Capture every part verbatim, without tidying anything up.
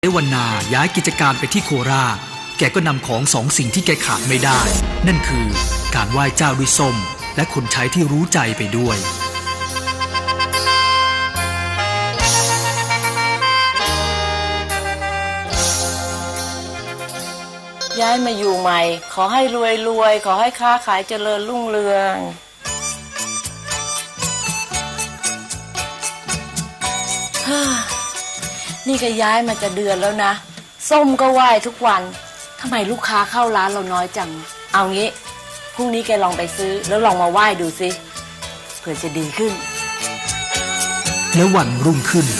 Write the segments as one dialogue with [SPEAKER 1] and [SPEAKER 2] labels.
[SPEAKER 1] วันนาย้ายกิจการไปที่โคราชแกก็นำของสองสิ่งที่แกขาดไม่ได้นั่นคือการไหว้เจ้าด้วยส้มและคนใช้ที่รู้ใจไปด้วย
[SPEAKER 2] ย้ายมาอยู่ใหม่ขอให้รวยรวยขอให้ค้าขายเจริญรุ่งเรืองนี่ก็ย้ายมาจะเดือนแล้วนะส้มก็ไหว้ทุกวันทำไมลูกค้าเข้าร้านเราน้อยจังเอางี้พรุ่งนี้แกลองไปซื้อแล้วลองมาไหว้ดูสิเผื่อจะดีขึ้น
[SPEAKER 1] แล้ววันรุ่งขึ้น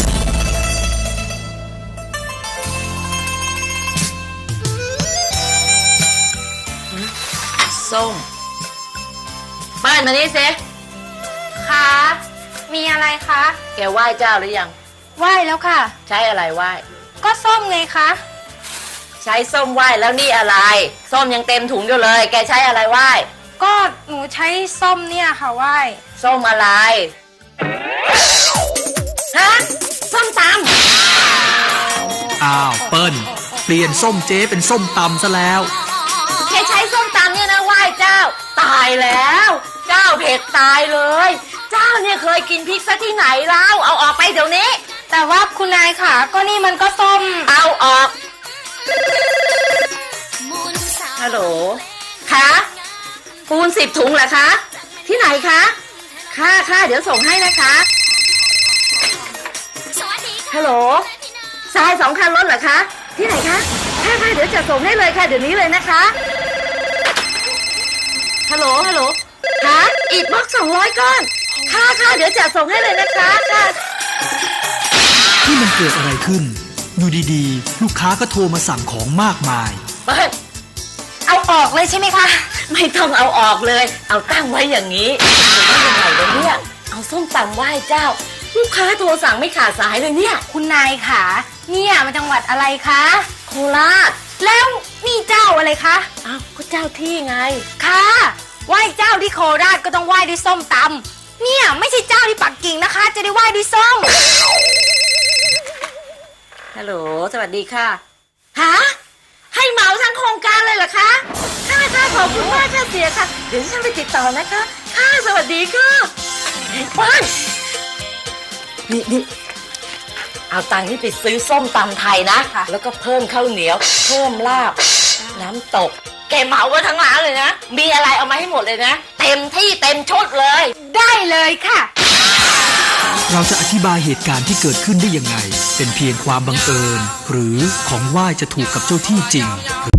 [SPEAKER 2] ส้มเปิ้ลมานี่สิ
[SPEAKER 3] คะมีอะไรคะ
[SPEAKER 2] แกไหว้เจ้าหรือยัง
[SPEAKER 3] ไหว้แล้วค่ะ
[SPEAKER 2] ใช้อะไรไหว้
[SPEAKER 3] ก็ส้มไงคะ
[SPEAKER 2] ใช้ส้มไหว้แล้วนี่อะไรส้มยังเต็มถุงอยู่เลยแกใช้อะไรไหว้
[SPEAKER 3] ก็หนูใช้ส้มเนี่ยค่ะไหว้
[SPEAKER 2] ส้มอะไรฮะส้มต
[SPEAKER 1] ำอ้าวเปิ้ลเปลี่ยนส้มเจ๊เป็นส้มตำซะแล้ว
[SPEAKER 2] แกใช้ส้มตำเนี่ยนะไหว้เจ้าตายแล้วเจ้าเผ็ดตายเลยเจ้าเนี่ยเคยกินพริกซะที่ไหนแล้วเอาออกไปเดี๋ยวนี้
[SPEAKER 3] แต่ว่าคุณนายค่ะก็นี่มันก็ส้ม
[SPEAKER 2] เอาออกฮัลโหลคะปูนสิบถุงเหรอคะที่ไหนคะค่ะค่ะเดี๋ยวส่งให้นะคะฮัลโหลทรายสองคันรถเหรอคะที่ไหนคะค่ะค่ะเดี๋ยวจะส่งให้เลยค่ะเดี๋ยวนี้เลยนะคะฮัลโหลฮัลโหลคะอิฐบล็อกสองร้อยก้อนค่ะค่ะเดี๋ยวจะส่งให้เลยนะคะค่ะ
[SPEAKER 1] ที่มันเกิดอะไรขึ้นอยู่ดีๆลูกค้าก็โทรมาสั่งของมากมาย
[SPEAKER 2] เปิ้ล
[SPEAKER 3] เอาออกเลยใช่ไหมคะ
[SPEAKER 2] ไม่ต้องเอาออกเลยเอาตั้งไว้อย่างนี้ไม่ยังไงเลยเนี่ยเอาส้มตำไหว้เจ้าลูกค้าโทรสั่งไม่ขาดสายเลยเนี่ย
[SPEAKER 3] คุณนายค่ะเนี่ยมาจังหวัดอะไรคะ
[SPEAKER 2] โคราช
[SPEAKER 3] แล้วนี่เจ้าอะไรคะ
[SPEAKER 2] อ้าวก็เจ้าที่ไง
[SPEAKER 3] ค่ะไหว้เจ้าที่โคราชก็ต้องไหว้ด้วยส้มตำเนี่ยไม่ใช่เจ้าที่ปักกิ่งนะคะจะได้ไหว้ด้วยส้ม
[SPEAKER 2] ฮัลโหลสวัสดีค่ะฮะให้เหมาทั้งโครงการเลยเหรอคะค่ะค่ะขอบคุณมากค่ะเสียค่ะเดี๋ยวฉันไปติดต่อนะคะค่ะสวัสดีค่ะป้านนี่นี่เอาตังค์ที่ไปซื้อส้มตำไทยนะแล้วก็เพิ่มข้าวเหนียวเพิ่มลาบน้ำตกแกเหมาไว้ทั้งร้านเลยนะมีอะไรเอามาให้หมดเลยนะเต็มที่เต็มชุดเลย
[SPEAKER 3] ได้เลยค่ะ
[SPEAKER 1] เราจะอธิบายเหตุการณ์ที่เกิดขึ้นได้ยังไงเป็นเพียงความบังเอิญหรือของไหว้จะถูกกับเจ้าที่จริง